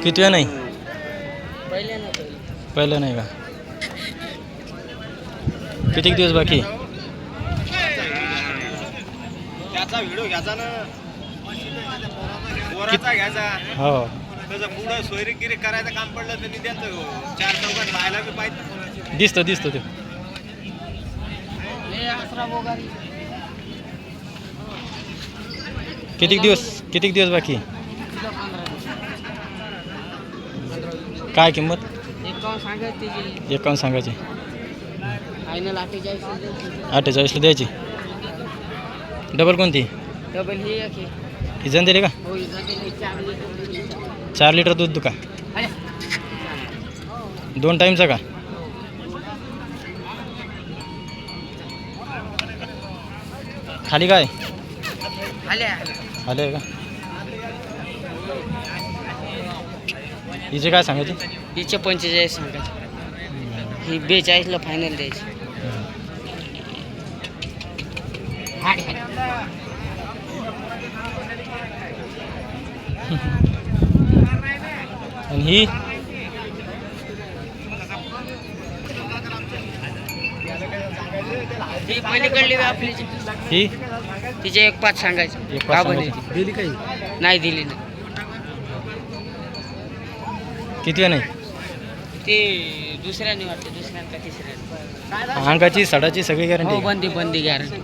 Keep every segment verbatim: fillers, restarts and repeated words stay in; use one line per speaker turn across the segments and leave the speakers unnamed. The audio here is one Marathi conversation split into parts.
किती वेळ नाही
पहिल्या ना
पहिलं नाही का? किती दिवस बाकी?
त्याचा व्हिडिओ घ्यायचा ना, पोराचा घ्यायचा.
हो
त्याचं पुढं सोयरीगिरी करायचं काम पडलं तर त्यांचं चार चौघात राहायला बी पाहिजे.
दिसतं दिसतं ते. किती दिवस किती दिवस बाकी? काय किंमत?
एकावन्न सांगायची त्याची.
एकावन्न सांगायची.
फायनल अठ्ठेचाळीस.
अठ्ठेचाळीसला द्यायची. डबल कोणती?
डबल ही एक आहे.
ही जण दिली का?
हो ही जाते चार लिटर.
चार लिटर दूध का?
अरे
दोन टाईमचा का? खाली काय
आल्या
आले का? हिचे काय सांगायचे?
हिचे पंचेचाळीस सांगायचे. ही बेचाळीसला फायनल द्यायची.
आणि ही
ही पलीकडली आपली
ही
तिचे एक पाच सांगायचे.
एक
का
पाच
बंद
सांगायची. दिली काही?
नाही दिली ना.
किती वेळ नाही?
ते दुसऱ्याने वाटते दुसऱ्याने का तिसऱ्याने.
अंगाची सडाची सगळी
हो
गॅरंटी.
बंदी बंदी गॅरंटी.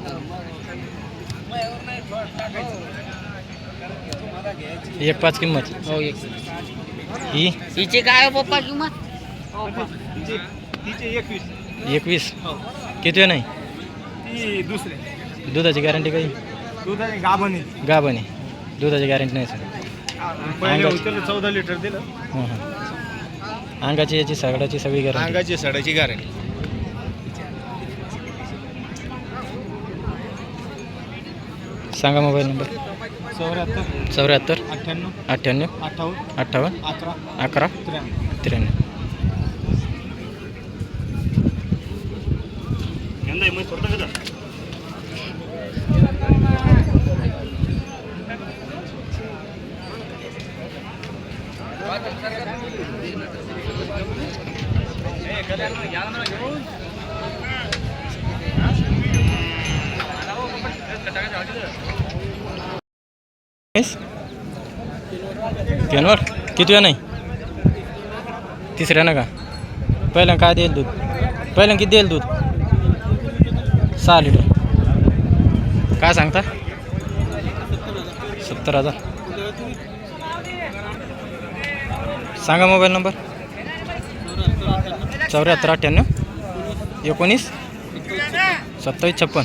एक पाच किंमत.
हो एक.
ही
हिचे काय हो पप्पा किंमत?
तिचे तिचे एकवीस.
एकवीस. किती वेळ नाही?
ती दुसरे
दुधाची गॅरंटी काही?
दुधाची गाभणी.
गाभणी. दुधाची गॅरंटी नाही सर.
पहिले
अंगाची-
होतं चौदा लिटर दिलं.
हां हां. अंगाची याची सगळ्याची सगळी गॅरंटी.
अंगाची सडाची गॅरंटी.
सांगा मोबाईल नंबर.
चौऱ्याहत्तर
चौऱ्याहत्तर
अठ्ठ्याण्णव
अठ्ठ्याण्णव
अठ्ठावन्न
अठ्ठावन्न
अकरा
अकरा
त्र्याण्णव.
त्र्याण्णव. तीनवर किती वेळ नाही? तिसऱ्या ना का? पहिल्या काय देईल दूध? पहिल्या किती देईल दूध? सहा लिटर. काय सांगता? सत्तर हजार. सांगा मोबाईल नंबर. चौऱ्याहत्तर अठ्ठ्याण्णव एकोणीस सत्तावीस छप्पन.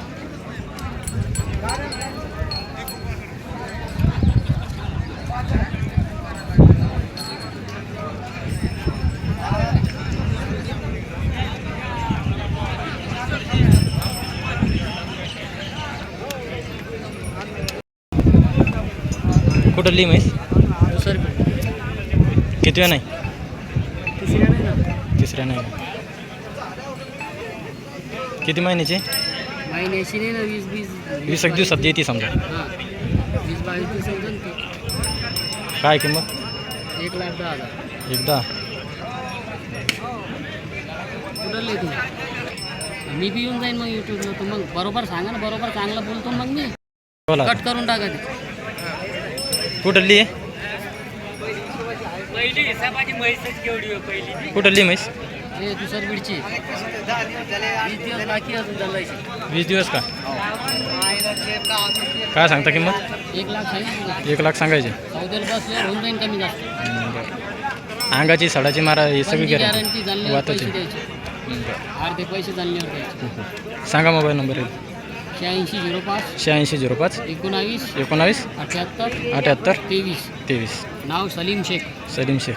कुठं लिम आहेस? किती वेळ नाही? तिसऱ्या नाही. किती महिन्याचे?
महिन्याची नाही ना वीस वीस
वीस एक दिवसात येते समजा.
हां वीस बावीस दिवस समजा ते.
काय किंमत?
एक लाख दहा हजार.
एकदा
कुठले तुम्ही? मी बी येऊन जाईन मग यूट्यूबला. तर मग बरोबर सांगा ना, बरोबर चांगलं बोलतो मग मी.
बोला.
कट करून टाका ते.
कुठली आहे?
पहिली हिसाबाची म्हैसच केवढी आहे पहिली.
कुठली म्हैस?
हे दुसर बीडची. वीस दिवस बाकी अजून चालायची.
वीस दिवस का? काय सांगता किंमत?
एक लाख सांगितलं.
एक लाख सांगायचे.
चौदाला बसल्यावर होऊन जाईन कमी जास्त.
अंगाची सडाची मारा ही सगळी
गॅरंटी
गॅरंटी.
जाणल्यावर पैसे
वाताची.
द्यायचे. अर्धे पैसे जाणल्यावर द्यायचे.
सांगा मोबाईल नंबर.
शहाऐंशी झिरो पाच
शहाऐंशी झिरो पाच
एकोणावीस
एकोणावीस
अठ्याहत्तर
अठ्याहत्तर
तेवीस.
तेवीस.
नाव सलीम शेख.
सलीम शेख.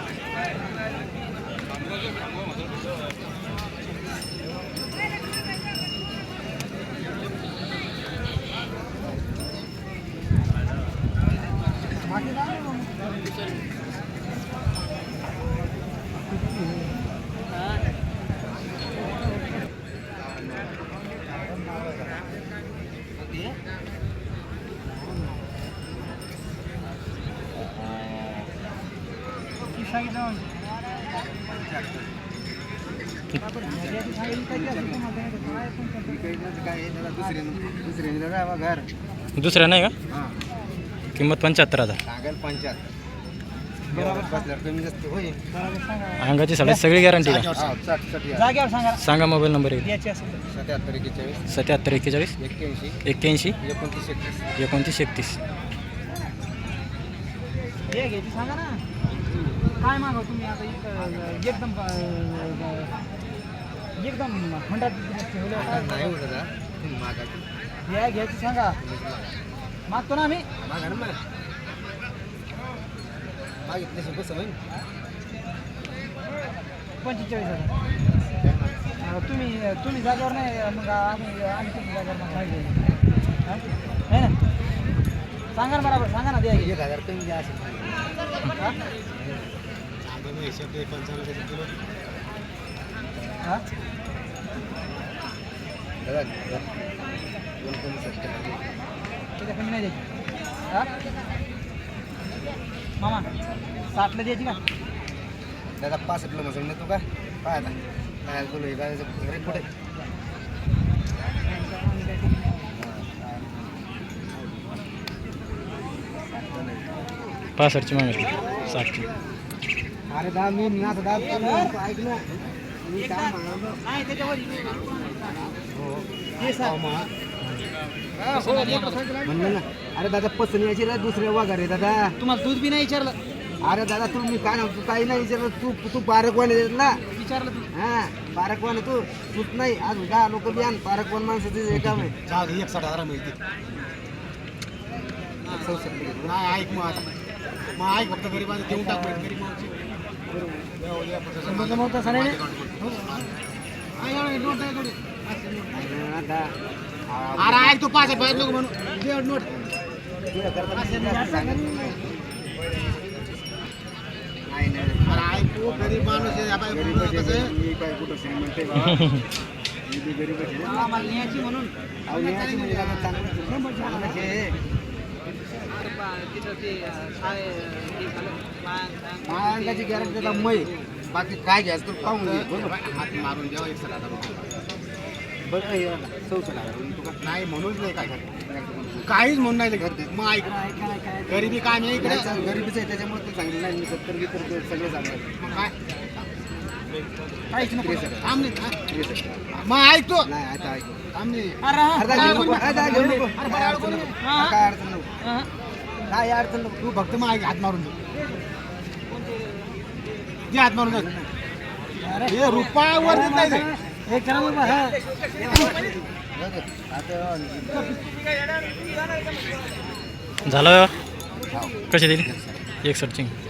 दुसऱ्या नाही का? किंमत पंच्याहत्तर हजार.
सांगाल पंच्याहत्तर बरोबर बसल्यावर कमी जास्त होईल.
अंगाची साडे सगळी गॅरंटी का?
जागेवर सांगा.
सांगा मोबाईल नंबर एक.
सत्याहत्तर एक्केचाळीस
सत्याहत्तर एक्केचाळीस
एक्क्याऐंशी
एक्क्याऐंशी
एकोणतीस एकतीस.
एकोणतीस एकतीस.
हे घ्यायची सांगा ना. काय मागव तुम्ही आता इथं एकदम एकदम म्हणतात
नाही होत दादा तुम्ही मागा
हे घ्यायची सांगा. मागतो ना आम्ही.
मागा ना मला मागितल्याशी कसं होईल.
पंचेचाळीस हजार. तुम्ही तुम्ही जागेवर नाही मग आम्ही आम्ही तुम्ही जागेवर मग माहिती आहे ना. सांगा ना बरोबर सांगा ना. द्या
एक हजार कमी द्या असेल.
हां
दादा दोन कमी सत्तर
त्याच्या कमी नाही द्यायची. हां मामा साठला द्यायची का?
दादा पासष्टला मसून तू का पाय आता काय बोलू हे काय कुठे
पासष्टची मागितली साठची.
अरे दा मी ना आता दा ऐक ना मी काय म्हणालो
नाही त्याच्यावर
म्हणलं ना. अरे दादा पसंत यायची रे दुसऱ्या वाघा रे दादा.
तुम्हाला दूध बी नाही विचारलं.
अरे दादा तू मी काय तू काही नाही विचारलं. तू तू बारकवान आहे ना.
विचारलं तुम्ही.
हा बारकवान तू तूच नाही आज दहा लोक बी आण. बारकवान माणसाचं हे काम आहे. एक साठ हजार मिळते. नाही ऐक मग आता मग ऐक फक्त गरीब देऊन टाक. गरीब अरे ऐक तू पाच पाच लोक म्हणून नोट ऐकू गरीब माणूस कुठं श्रीमंत गरीब
म्हणून
अंगाची गॅरंटी त्याला मै बाकी काय घ्यायचं तू पाहून हात मारून द्यावा एक हजार रुपये बरं चौसष्ट हजार नाही म्हणूनच नाही काय काहीच म्हणून नाही घर मग ऐक गरिबी काय नाही इकडे गरिबीच आहे त्याच्यामुळे ते सांगितलं नाही मी सत्तर गितर सगळे सांगणार मग काय काहीच नको थांबले मग ऐकतो नाही आता ऐकतो थांबले काय अडचण नको काय अडचण नको तू फक्त मग ऐक हात मारून दे हात मारून हे रुपयावर नाही
एक
झालं कशी दिली एक सर्चिंग.